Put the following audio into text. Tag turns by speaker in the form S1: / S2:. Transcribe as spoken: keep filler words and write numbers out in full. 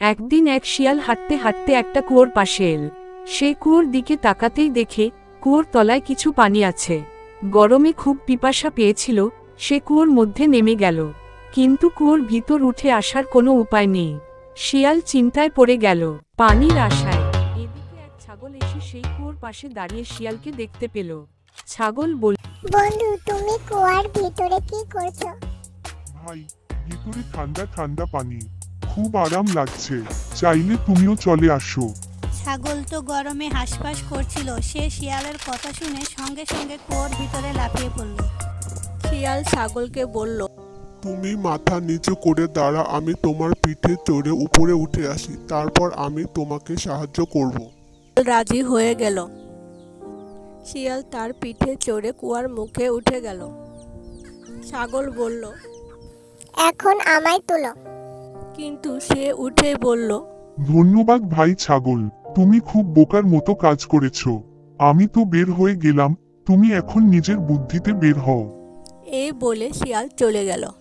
S1: একদিন এক শিয়াল হাঁটতে হাঁটতে একটা কুয়োর পাশে এল। সে কুয়োর দিকে তাকাতেই দেখে কুয়োর তলায় কিছু পানি আছে। গরমে খুব পিপাসা পেয়েছিল, সে কুয়োর মধ্যে নেমে গেল। কিন্তু কুয়োর ভিতর উঠে আসার কোনো উপায় নেই। শিয়াল চিন্তায় পড়ে গেল, পানির আশায়। এদিকে এক ছাগল এসে সেই কুয়োর পাশে দাঁড়িয়ে শিয়ালকে দেখতে পেল। ছাগল বলল,
S2: বন্ধু, তুমি কুয়ার ভিতরে কি করছো?
S3: ভাই, ভিতরে ঠান্ডা ঠান্ডা পানি, খুব আরাম লাগছে, চাইলে তুমিও চলে আসো।
S4: ছাগল তো গরমে হাঁসফাঁস করছিল, সে শিয়ালের কথা শুনে সঙ্গে সঙ্গে কুয়োর ভিতরে লাফিয়ে পড়ল। শিয়াল ছাগলকে বলল,
S5: তুমি মাথা নিচু করে দাঁড়া, আমি তোমার পিঠে চড়ে উপরে উঠে আসি, তারপর আমি তোমাকে সাহায্য করব।
S4: রাজি হয়ে গেল। শিয়াল তার পিঠে চড়ে কুয়ার মুখে উঠে গেল। ছাগল বলল,
S2: এখন আমায় তুলো।
S4: কিন্তু সে উঠে বলল,
S3: ধন্যবাদ ভাই ছাগল, তুমি খুব বোকার মতো কাজ করেছো। আমি তো বের হয়ে গেলাম, তুমি এখন নিজের বুদ্ধিতে বের হও।
S4: এই বলে শিয়াল চলে গেল।